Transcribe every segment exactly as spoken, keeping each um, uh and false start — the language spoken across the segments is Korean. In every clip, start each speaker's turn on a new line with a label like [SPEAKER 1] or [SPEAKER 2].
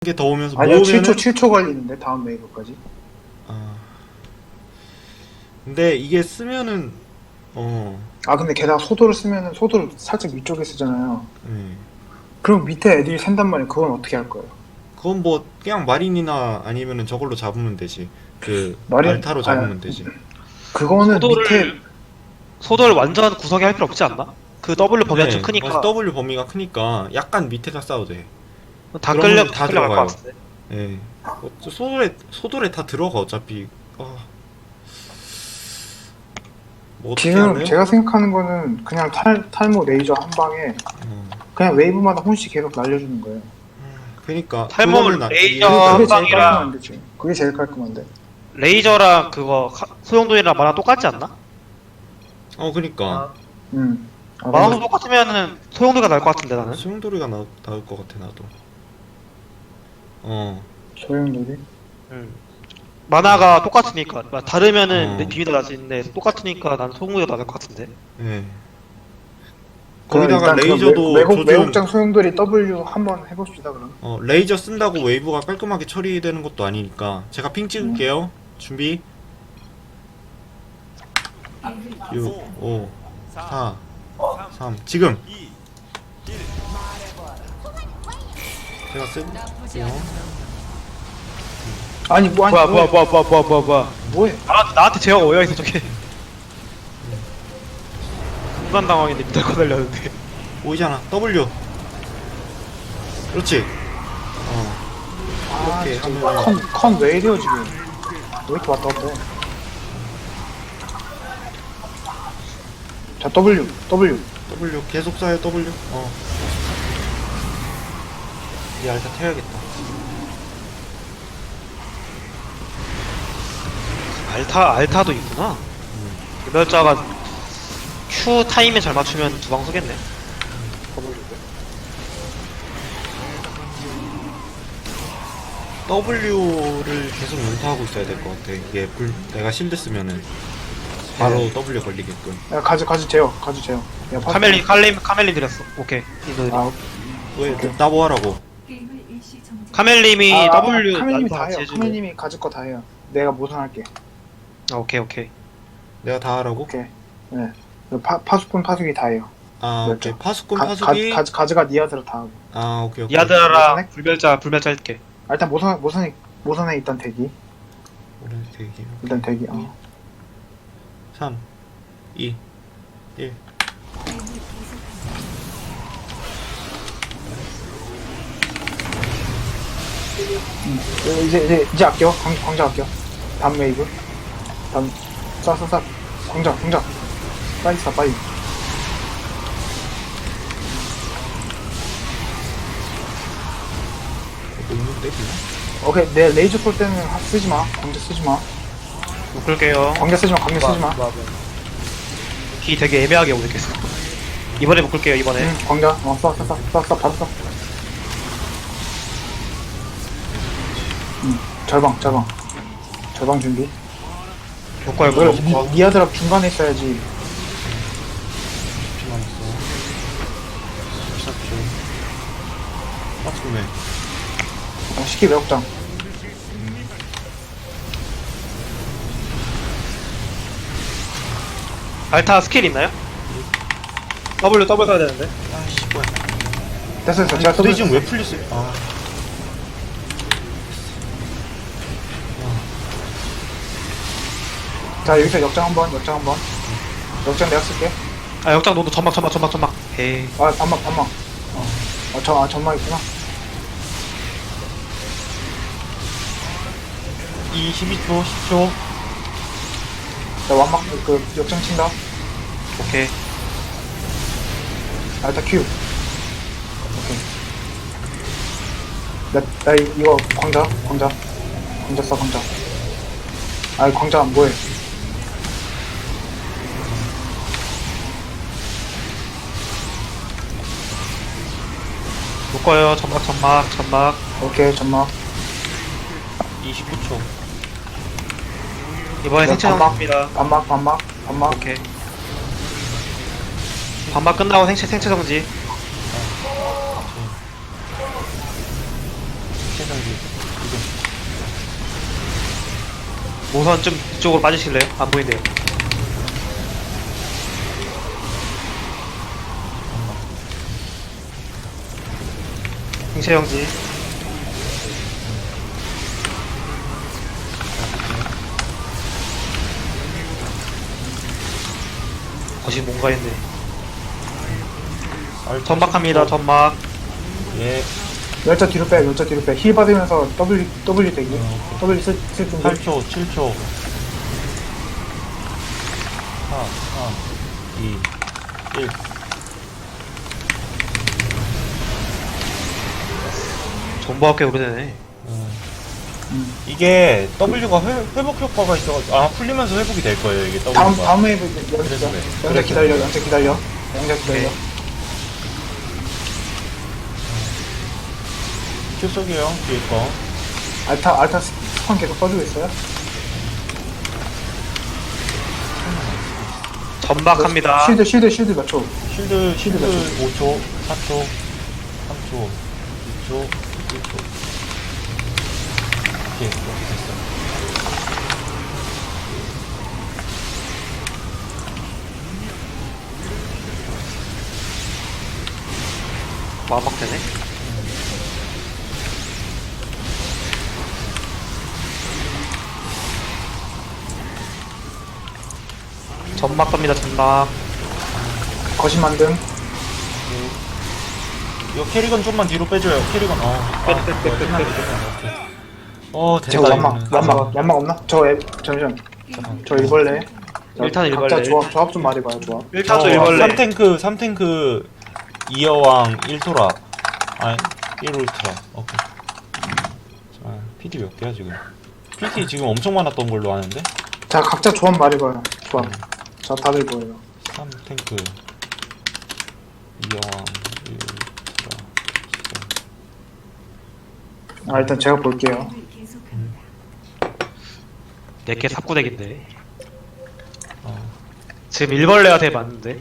[SPEAKER 1] 개 더 오면서
[SPEAKER 2] 아니요,
[SPEAKER 1] 모으면은
[SPEAKER 2] 칠 초 칠 초 걸리는데 다음 웨이브까지.
[SPEAKER 1] 아 근데 이게 쓰면은 어
[SPEAKER 2] 아 근데 게다가 소도를 쓰면은 소도를 살짝 위쪽에 쓰잖아요.
[SPEAKER 1] 네.
[SPEAKER 2] 그럼 밑에 애들이 샌단 말이에요. 그건 어떻게 할 거예요?
[SPEAKER 1] 그건 뭐 그냥 마린이나 아니면은 저걸로 잡으면 되지. 그
[SPEAKER 2] 마린
[SPEAKER 1] 알타로
[SPEAKER 2] 아니,
[SPEAKER 1] 잡으면 되지.
[SPEAKER 2] 그거는
[SPEAKER 3] 소도를
[SPEAKER 2] 밑에
[SPEAKER 3] 소도를 완전 구석에 할 필요 없지 않나? 그 W 범위가 좀
[SPEAKER 1] 네,
[SPEAKER 3] 크니까
[SPEAKER 1] 맞아. W 범위가 크니까 약간 밑에다 싸도 돼.
[SPEAKER 3] 다
[SPEAKER 1] 그러면
[SPEAKER 3] 끌려
[SPEAKER 1] 다
[SPEAKER 3] 다 끌려갈 것
[SPEAKER 1] 들어가요.
[SPEAKER 3] 같은데.
[SPEAKER 1] 예. 어, 소돌에 소돌에 다 들어가 어차피. 아. 뭐 어떻게
[SPEAKER 2] 지금
[SPEAKER 1] 할래요?
[SPEAKER 2] 제가 생각하는 거는 그냥 탈, 탈모 레이저 한 방에
[SPEAKER 1] 어.
[SPEAKER 2] 그냥 웨이브마다 혼씩 계속 날려주는 거예요.
[SPEAKER 1] 그러니까
[SPEAKER 3] 탈모
[SPEAKER 1] 그거는 아-
[SPEAKER 3] 레이저
[SPEAKER 2] 그게,
[SPEAKER 3] 한
[SPEAKER 2] 그게 제일
[SPEAKER 3] 방이랑-
[SPEAKER 2] 깔끔한데 지금. 그게 제일 깔끔한데.
[SPEAKER 3] 레이저랑 그거 카- 소용돌이랑 만화 똑같지 않나?
[SPEAKER 1] 어 그니까
[SPEAKER 2] 음. 아,
[SPEAKER 3] 만화도
[SPEAKER 2] 근데
[SPEAKER 3] 똑같으면은 소용돌이가 나을 것 같은데 나는.
[SPEAKER 1] 수용돌이가 나, 나올 것 같아 나도. 어.
[SPEAKER 2] 소용돌이.
[SPEAKER 3] 음. 만화가 똑같으니까 마- 다르면은
[SPEAKER 1] 어.
[SPEAKER 3] 내 비밀도 나지는데 똑같으니까 난 소용돌이가 나을 것 같은데.
[SPEAKER 1] 예.
[SPEAKER 2] 그럼
[SPEAKER 1] 거기다가
[SPEAKER 2] 일단 그
[SPEAKER 1] 레이저도
[SPEAKER 2] 외, 외국,
[SPEAKER 1] 조준-
[SPEAKER 2] 외국장 소용돌이 W 한번 해봅시다 그럼.
[SPEAKER 1] 어, 레이저 쓴다고 웨이브가 깔끔하게 처리되는 것도 아니니까 제가 핑 찍을게요. 준비. 육, 오, 사, 삼. 지금. 제가 쓸게요.
[SPEAKER 2] 아니 뭐 아니
[SPEAKER 3] 뭐야
[SPEAKER 2] 뭐해?
[SPEAKER 3] 뭐야 뭐야 뭐야 뭐야 뭐야.
[SPEAKER 2] 뭐해?
[SPEAKER 3] 나 나한테 제어가 오여 있어 저게. 순간 당황인데 밑에 거 날렸는데.
[SPEAKER 1] 보이잖아. W. 그렇지. 어.
[SPEAKER 2] 아
[SPEAKER 1] 이렇게
[SPEAKER 2] 진짜
[SPEAKER 1] 하면은-
[SPEAKER 2] 컨컨왜 이래요 지금? 왜 이렇게 왔다 갔다 해? 자 W W
[SPEAKER 1] W 계속 쏴요. W. 어. 이 알타 태워야겠다.
[SPEAKER 3] 알타 알타도 있구나. 개별자가 Q 타임에 잘 맞추면 두 방 쏘겠네.
[SPEAKER 1] W를 계속 연타하고 있어야 될 것 같아. 이게 불, 내가 실드 쓰면은 바로
[SPEAKER 2] 네.
[SPEAKER 1] W 걸리게끔.
[SPEAKER 2] 야 가지 가지 재요 가지 재요. 야, 파-
[SPEAKER 3] 카멜린 카멜린 카멜린 드렸어. 오케이. 인도
[SPEAKER 2] 아,
[SPEAKER 1] 왜 나뭐 하라고?
[SPEAKER 3] 카멜님이
[SPEAKER 2] 아, 아,
[SPEAKER 3] W
[SPEAKER 2] 카멜님이 다
[SPEAKER 3] 난타
[SPEAKER 2] 해요.
[SPEAKER 3] 제주도.
[SPEAKER 2] 카멜님이 가질 거 다 해요. 내가 모선할게.
[SPEAKER 3] 아, 오케이 오케이.
[SPEAKER 1] 내가 다 하라고?
[SPEAKER 2] 오케이. 네. 파 파수꾼 파수기 다 해요.
[SPEAKER 1] 아
[SPEAKER 2] 그렇죠.
[SPEAKER 1] 오케이. 파수꾼
[SPEAKER 2] 가,
[SPEAKER 1] 파수기.
[SPEAKER 2] 가, 가, 가지가 니아드로 다 하고.
[SPEAKER 1] 아 오케이 오케이.
[SPEAKER 3] 니아드라랑
[SPEAKER 2] 모선해?
[SPEAKER 3] 불멸자 불멸자 할게.
[SPEAKER 2] 아, 일단 모선 모선에 모선에 일단 대기.
[SPEAKER 1] 오래 대기.
[SPEAKER 2] 일단 대기. 어.
[SPEAKER 1] 삼, 이, 일.
[SPEAKER 2] 음. 이제 이제 이제 아껴. 광, 광자 아껴. 다음 웨이브. 다음 쏴쏴쏴. 광자 광자. 빨리 쏴 빨리.
[SPEAKER 1] 너무 때리나?
[SPEAKER 2] 오케이 내 레이저 쏠 때는 하- 쓰지 마. 광자 쓰지 마.
[SPEAKER 3] 묶을게요.
[SPEAKER 2] 광자 쓰지 마. 광자 쓰지 마.
[SPEAKER 3] 기 되게 애매하게 오늘 계속. 이번에 묶을게요 이번에.
[SPEAKER 2] 응, 광자. 어, 쏴, 쏴, 쏴, 쏴, 쏴, 바로 쏴. 응, 절방, 절방. 절방 준비.
[SPEAKER 3] 묶어요
[SPEAKER 2] 그래,
[SPEAKER 3] 묶어.
[SPEAKER 2] 니, 니아드랍 중간에 있어야지.
[SPEAKER 1] 피 남았어. 십사 초. 파수꾼에.
[SPEAKER 2] 어, 시키 매혹장.
[SPEAKER 3] 알타 스킬 있나요? W W 써야 되는데.
[SPEAKER 1] 아씨 뭐야.
[SPEAKER 2] 됐어, 됐어.
[SPEAKER 1] 아니
[SPEAKER 2] 제가
[SPEAKER 1] 근데
[SPEAKER 2] 써도
[SPEAKER 1] 지금 왜 풀렸어? 아.
[SPEAKER 2] 자, 여기서 역장 한 번, 역장 한 번. 역장 내가 쓸게.
[SPEAKER 3] 아 역장 너도 점막 점막 점막 점막. 에이.
[SPEAKER 2] 아, 반막, 반막. 어, 어 저, 아, 전막 있구나.
[SPEAKER 1] 이십이 초, 십 초.
[SPEAKER 2] 자, 완막, 그, 역장 친다.
[SPEAKER 3] 오케이.
[SPEAKER 2] 알타 큐. 오케이. 나, 나, 이- 이거, 광자, 광자. 광자 써, 광자. 아, 광자 안 보여.
[SPEAKER 3] 묶어요 점막 점막 점막.
[SPEAKER 2] 오케이, 전막.
[SPEAKER 1] 이십구 초.
[SPEAKER 3] 이번에
[SPEAKER 2] 야,
[SPEAKER 3] 생체
[SPEAKER 2] 반막.
[SPEAKER 3] 정지입니다.
[SPEAKER 2] 반막, 반막, 반막.
[SPEAKER 3] 오케이. 반막 끝나고 생체 생체 정지.
[SPEAKER 1] 생체 여기.
[SPEAKER 3] 모선 좀 이쪽으로 빠지실래요? 안 보인대요. 행채형지. 거시 뭔가 했네.
[SPEAKER 1] 알타
[SPEAKER 3] 전막합니다.
[SPEAKER 1] 십 초.
[SPEAKER 3] 전막.
[SPEAKER 1] 예.
[SPEAKER 2] 열자 뒤로 빼, 열자 뒤로 빼. 힐 받으면서 W, W 대기.
[SPEAKER 1] 어,
[SPEAKER 2] W 쓸, 쓸 준비.
[SPEAKER 1] 팔 초, 칠 초. 사, 삼, 이, 일.
[SPEAKER 3] 전부학교 오래되네.
[SPEAKER 2] 음.
[SPEAKER 1] 이게 W가 회, 회복 효과가 있어가지고 아 풀리면서 회복이 될 거예요 이게 W가.
[SPEAKER 2] 다음, 다음 웨이브 연자.
[SPEAKER 1] 그래서 그래.
[SPEAKER 2] 연자
[SPEAKER 1] 그래서
[SPEAKER 2] 기다려,
[SPEAKER 1] 그래.
[SPEAKER 2] 연자 기다려. 연자 기다려.
[SPEAKER 3] 오케이.
[SPEAKER 1] 큐 쏘게요 뒤에 거.
[SPEAKER 2] 알타, 알타 스펀 계속 써주고 있어요?
[SPEAKER 3] 전막합니다.
[SPEAKER 2] 쉴드, 쉴드, 쉴드 몇 초?
[SPEAKER 1] 쉴드
[SPEAKER 2] 쉴드
[SPEAKER 1] 쉴드
[SPEAKER 2] 몇
[SPEAKER 1] 오 초, 사 초, 삼 초, 이 초, 일 초. 오케이 이렇게 됐어.
[SPEAKER 3] 마막되네. 전막 갑니다. 전막.
[SPEAKER 2] 거신 만듦.
[SPEAKER 1] 이거 캐리건 좀만 뒤로 빼줘요. 캐리건 어.
[SPEAKER 3] 빼,
[SPEAKER 1] 아,
[SPEAKER 3] 빼, 빼,
[SPEAKER 1] 이거
[SPEAKER 3] 빼,
[SPEAKER 1] 끝났네,
[SPEAKER 3] 빼.
[SPEAKER 1] 끝났네. 오케이. 어 됐다.
[SPEAKER 2] 제가 연막,
[SPEAKER 1] 이거는.
[SPEAKER 2] 연막, 연막 없나? 저, 애, 잠시만.
[SPEAKER 1] 잠깐.
[SPEAKER 2] 저 일벌레. 자,
[SPEAKER 3] 일단 일벌레.
[SPEAKER 2] 각자 조합, 조합 좀 말해봐요, 조합.
[SPEAKER 3] 일 타조
[SPEAKER 1] 어,
[SPEAKER 3] 일벌레.
[SPEAKER 1] 삼 탱크, 삼 탱크, 이 여왕, 일 토라. 아니, 일 울트라. 오케이. 자, 피디 몇 개야, 지금? 피디 지금 엄청 많았던 걸로 아는데?
[SPEAKER 2] 자, 각자 조합 말해봐요, 조합. 자, 다들 뭐예요?
[SPEAKER 1] 삼 탱크, 이 여왕, 일 울트라.
[SPEAKER 2] 아, 일단 제가 볼게요.
[SPEAKER 3] 내게 삽구덱인데.
[SPEAKER 1] 어.
[SPEAKER 3] 지금 일벌레가 되게 많은데.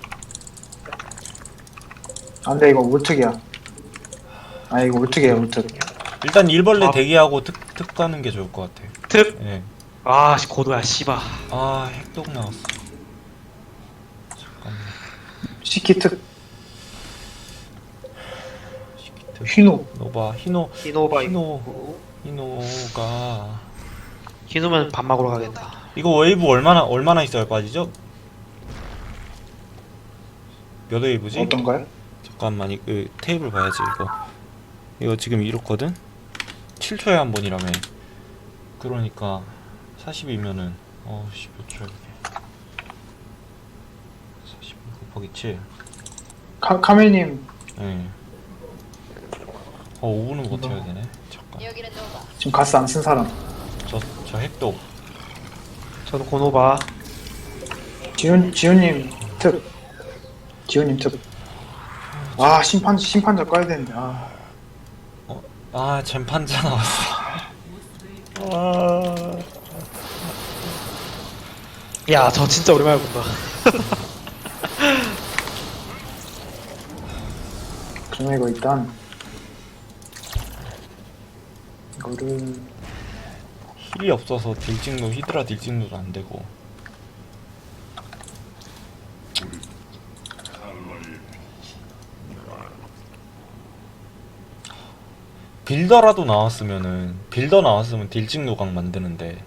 [SPEAKER 2] 안 돼, 이거 울특이야. 아, 이거 울특이에요, 울특.
[SPEAKER 1] 일단 일벌레
[SPEAKER 3] 아.
[SPEAKER 1] 대기하고 특, 특 가는 게 좋을 것 같아.
[SPEAKER 3] 특.
[SPEAKER 1] 예.
[SPEAKER 3] 아, 씨, 고도야, 씨바.
[SPEAKER 1] 아, 핵독 나왔어. 잠깐만.
[SPEAKER 2] 시키특,
[SPEAKER 1] 시키트.
[SPEAKER 2] 휘노.
[SPEAKER 1] 노바, 히노,
[SPEAKER 3] 히노바.
[SPEAKER 1] 히노, 히노가.
[SPEAKER 3] 히노면 밥 먹으러 가겠다.
[SPEAKER 1] 이거 웨이브 얼마나 얼마나 있어야 빠지죠? 몇 웨이브지?
[SPEAKER 2] 어떤가요?
[SPEAKER 1] 잠깐만 이 그, 테이블 봐야지 이거. 이거 지금 이렇거든. 칠 초에 한 번이라며. 그러니까 사십이면은 어씨 몇 초야 이게? 사십이 곱하기 칠.
[SPEAKER 2] 카, 카멜님,
[SPEAKER 1] 예. 어 오 분은 버텨야 되네. 잠깐.
[SPEAKER 4] 여기는 노바.
[SPEAKER 2] 지금 가스 안 쓴 사람.
[SPEAKER 1] 저 저 핵독.
[SPEAKER 3] 저는 고노바.
[SPEAKER 2] 지훈, 지훈님, 특. 지훈님, 특. 아, 심판, 심판자 꺼야 되는데, 아.
[SPEAKER 1] 아 젠판자 나왔어. 아.
[SPEAKER 3] 야, 저 진짜 오랜만에 본다.
[SPEAKER 2] 그러면 이거 일단. 이거를.
[SPEAKER 1] 힐이 없어서 딜찍노 히드라 딜찍노도 안 되고. 빌더라도 나왔으면은 빌더 나왔으면 딜찍 노각 만드는데.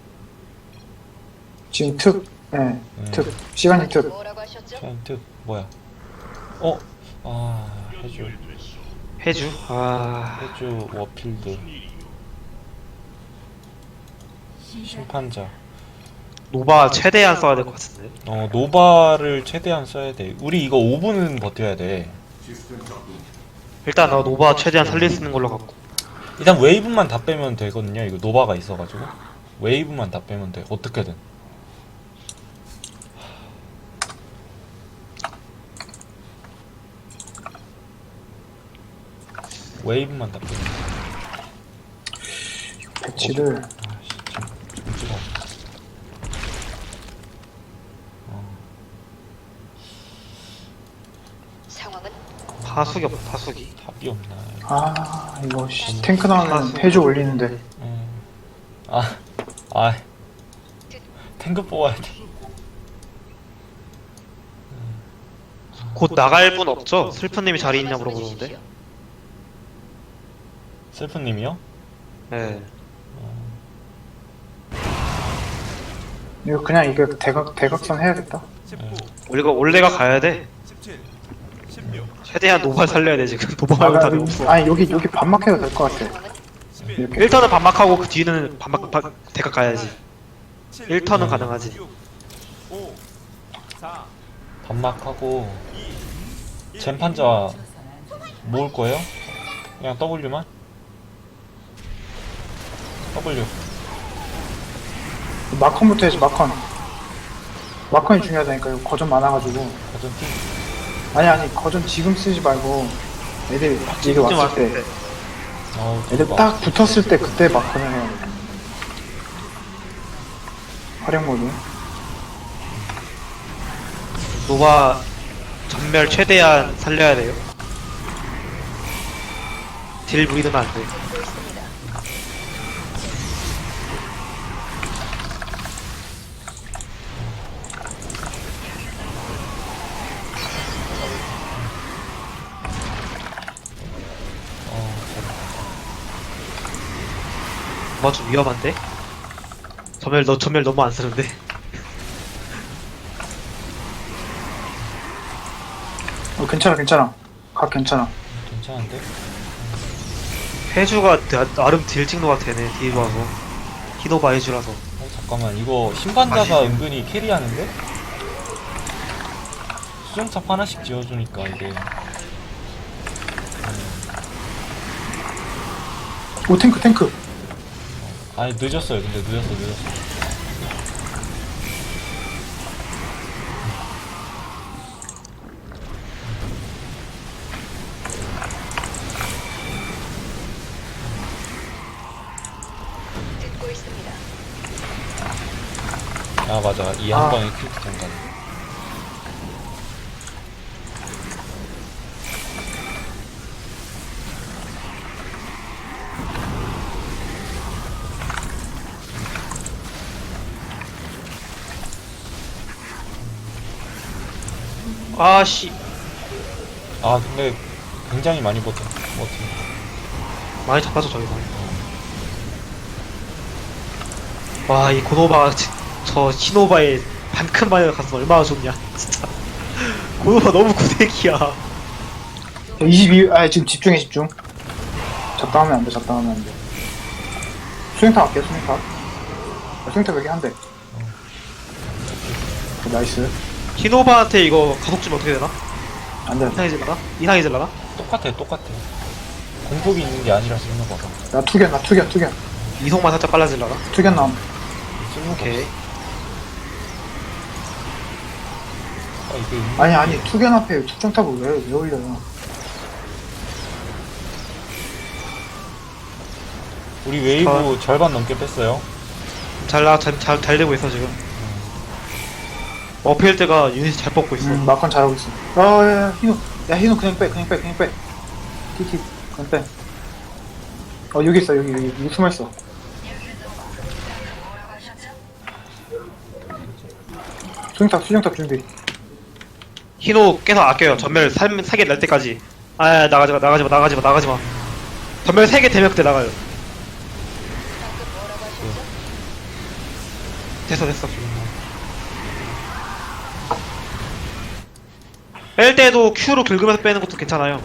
[SPEAKER 2] 지금 특, 예, 네, 특. 시간이 특.
[SPEAKER 4] 뭐라고 하셨죠?
[SPEAKER 1] 트 뭐야? 어? 아 해주
[SPEAKER 3] 해주. 아,
[SPEAKER 1] 해주 워필드 심판자.
[SPEAKER 3] 노바 최대한 써야 될 것 같은데.
[SPEAKER 1] 어 노바를 최대한 써야 돼. 우리 이거 오 분은 버텨야 돼.
[SPEAKER 3] 일단 나 노바 최대한 살릴 수 있는 걸로 갖고.
[SPEAKER 1] 일단 웨이브만 다 빼면 되거든요. 이거 노바가 있어가지고 웨이브만 다 빼면 돼. 어떻게든. 웨이브만 다 빼면 돼.
[SPEAKER 2] 배치를.
[SPEAKER 1] 아씨 좀, 좀 찍어.
[SPEAKER 4] 상황은
[SPEAKER 3] 타수기 없다 타수기.
[SPEAKER 1] 답이 없나.
[SPEAKER 2] 아 이거 씨, 탱크 나오면 해주 올리는데.
[SPEAKER 1] 음. 아, 아, 탱크 뽑아야 돼.
[SPEAKER 3] 곧 나갈 분 없죠? 슬픈님이 자리 있냐 물어보는데.
[SPEAKER 1] 슬픈님이요?
[SPEAKER 3] 네.
[SPEAKER 2] 이거 그냥 이거 대각 대각선 해야겠다.
[SPEAKER 3] 우리가 올레가 가야 돼. 최대한 노발 살려야 돼 지금. 노발
[SPEAKER 2] 아,
[SPEAKER 3] 말고
[SPEAKER 2] 나,
[SPEAKER 3] 다들 없어.
[SPEAKER 2] 아니 여기 여기 반막 해도 될 것 같아. 이렇게.
[SPEAKER 3] 일 턴은 반막하고 그 뒤는 반막 바, 대각 가야지. 일 턴은 가능하지.
[SPEAKER 1] 반막하고 젠판자 모을 거예요? 그냥 W만? W.
[SPEAKER 2] 마컨부터 해야지 마컨. 마컨이 중요하다니까. 이거 거전 많아가지고.
[SPEAKER 1] 가전 팀.
[SPEAKER 2] 아니 아니 거전 지금 쓰지 말고 애들 얘들 왔을 때
[SPEAKER 1] 어우,
[SPEAKER 2] 애들
[SPEAKER 1] 막-
[SPEAKER 2] 딱 붙었을 때 그때 마컨을 해야 돼. 활용 모드.
[SPEAKER 3] 노바 전멸 최대한 살려야 돼요. 딜 무리면 안 돼.
[SPEAKER 1] 어,
[SPEAKER 3] 뭐 좀 위험한데? 전멸 너 전멸 너무 안 쓰는데.
[SPEAKER 2] 어 괜찮아 괜찮아. 각 괜찮아.
[SPEAKER 1] 괜찮은데?
[SPEAKER 3] 해주가 나- 나름 딜 찍노가 되네. 뒤로 와서 히노바 해주라서.
[SPEAKER 1] 어, 잠깐만, 이거 신반자가
[SPEAKER 3] 아시죠?
[SPEAKER 1] 은근히 캐리하는데? 수정탑 하나씩 지어주니까 이게.
[SPEAKER 2] 오 탱크 탱크.
[SPEAKER 1] 아니, 늦었어요. 근데 늦었어, 늦었어.
[SPEAKER 4] 듣고 있습니다.
[SPEAKER 1] 아, 맞아. 이 한
[SPEAKER 2] 아.
[SPEAKER 1] 방에 퀵 잠깐.
[SPEAKER 3] 아씨
[SPEAKER 1] 아, 근데 굉장히 많이 버텨. 버텨.
[SPEAKER 3] 많이 잡아서 저기서. 와 이 고노바 지- 저 히노바의 반큰 마이가 가서 얼마나 좋냐 진짜. 고노바 너무 구대기야.
[SPEAKER 2] 이십이. 아 지금 집중해 집중. 잡다하면 안 돼. 잡다하면 안 돼. 수행탑 할게 수행탑. 아, 수행탑 여기 한 대. 오, 나이스.
[SPEAKER 3] 히노바한테 이거 가속 주면 어떻게 되나?
[SPEAKER 2] 안 돼.
[SPEAKER 3] 이상해질라나? 이상해질라나?
[SPEAKER 1] 똑같아, 똑같아. 공속이 있는 게 아니라 쓰는 거가.
[SPEAKER 2] 나 투견 나 투견 투견.
[SPEAKER 3] 이속만 살짝 빨라질라나?
[SPEAKER 2] 투견 남.
[SPEAKER 1] 쓰는 거.
[SPEAKER 3] 오케이.
[SPEAKER 1] 아, 이게 은-
[SPEAKER 2] 아니 아니 투견 앞에 특정탑을 왜, 왜 올려요?
[SPEAKER 1] 우리 웨이브 절반 넘게 뺐어요.
[SPEAKER 3] 잘, 나, 잘, 잘, 잘 되고 있어, 지금. 어필 때가 유닛이 잘 뽑고 있어.
[SPEAKER 2] 음, 마컨 잘하고 있어. 어, 야, 야, 희노. 야, 희노 그냥 빼, 그냥 빼, 그냥 빼. 티티, 그냥 빼. 어, 여기 있어, 여기, 여기, 여기 숨어 있어. 수정탑, 수정탑 준비.
[SPEAKER 3] 히노 계속 아껴요. 전멸 세 개 날 때까지. 아, 아, 나가지 마, 나가지 마, 나가지 마, 나가지 마. 전멸 세 개 되면 그때 나가요.
[SPEAKER 4] 방금 뭐라고 하셨죠?
[SPEAKER 3] 됐어, 됐어. 뺄 때도 Q로 긁으면서 빼는 것도 괜찮아요.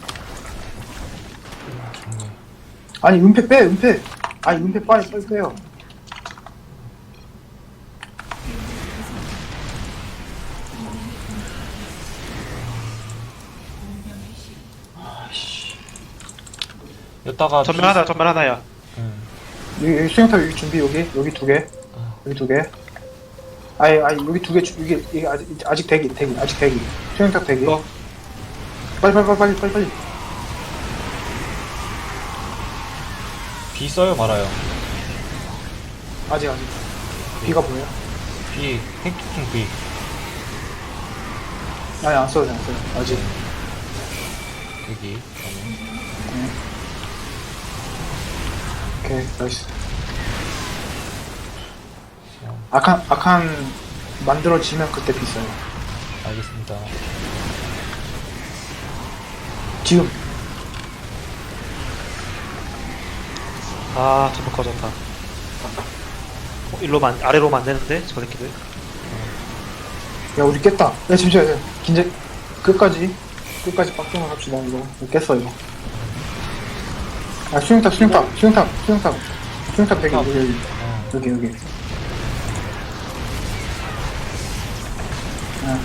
[SPEAKER 1] 좋네.
[SPEAKER 2] 아니, 은폐 빼, 은폐. 아니, 은폐 빨리, 빨리 빼요.
[SPEAKER 1] 여기다가
[SPEAKER 3] 전멸 하나, 전멸 하나야.
[SPEAKER 1] 음.
[SPEAKER 2] 여기, 여기 수정탑 여기 준비, 여기, 여기 두 개. 여기 두 개. 아니, 아니, 여기 두 개, 주- 이게, 이게 아직, 아직 대기, 대기, 아직 대기. 수정탑 대기.
[SPEAKER 3] 어?
[SPEAKER 2] 빨리, 빨리, 빨리, 빨리, 빨리, 빨리.
[SPEAKER 1] B 써요 말아요.
[SPEAKER 2] 아직, 아직. 비가 보여요?
[SPEAKER 1] B 핵투킹 B.
[SPEAKER 2] 아니, 안 써도 돼, 안 써도 돼. 아직.
[SPEAKER 1] 여기.
[SPEAKER 2] 오케이, 나이스. 아칸, 아칸 만들어지면 그때 비싸요.
[SPEAKER 1] 알겠습니다.
[SPEAKER 2] 지금.
[SPEAKER 3] 아 전부 꺼졌다. 어, 일로만 아래로만 안 되는데 저 새끼들.
[SPEAKER 2] 야, 우리 깼다. 야, 잠시만, 긴장, 끝까지, 끝까지 빡종을 합시다, 이거. 이거 깼어, 이거. 아, 수영탑, 수영탑, 수영탑, 수영탑. 수영탑 여기, 여기, 여기,
[SPEAKER 1] 어,
[SPEAKER 2] 여기, 여기. 아.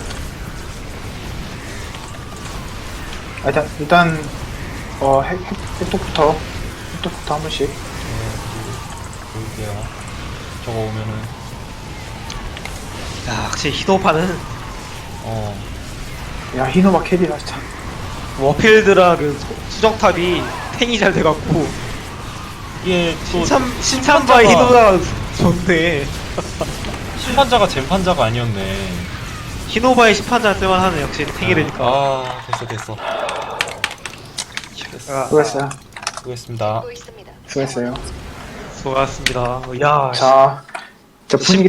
[SPEAKER 2] 아, 일단, 일단, 어, 핵, 핵, 핵독부터, 핵독부터 한 번씩.
[SPEAKER 1] 볼게요. 저거 오면은
[SPEAKER 3] 야 확실히 히노바는
[SPEAKER 1] 어
[SPEAKER 2] 야, 히노바 캐리다, 진짜.
[SPEAKER 3] 워필드랑 그 소- 수정탑이 탱이 잘 돼갖고
[SPEAKER 1] 이게 또
[SPEAKER 3] 신참 신참바의 히노바가 좋네.
[SPEAKER 1] 심판자가 젠판자가 아니었네.
[SPEAKER 3] 히노바의 심판자 쓸만하네 역시 탱이 되니까.
[SPEAKER 1] 아 됐어 됐어.
[SPEAKER 3] 아,
[SPEAKER 2] 수고했어요.
[SPEAKER 1] 수고했습니다.
[SPEAKER 4] 듣고 있습니다.
[SPEAKER 2] 수고했어요.
[SPEAKER 3] 수고하셨습니다. 야
[SPEAKER 2] 자, 자, 분위기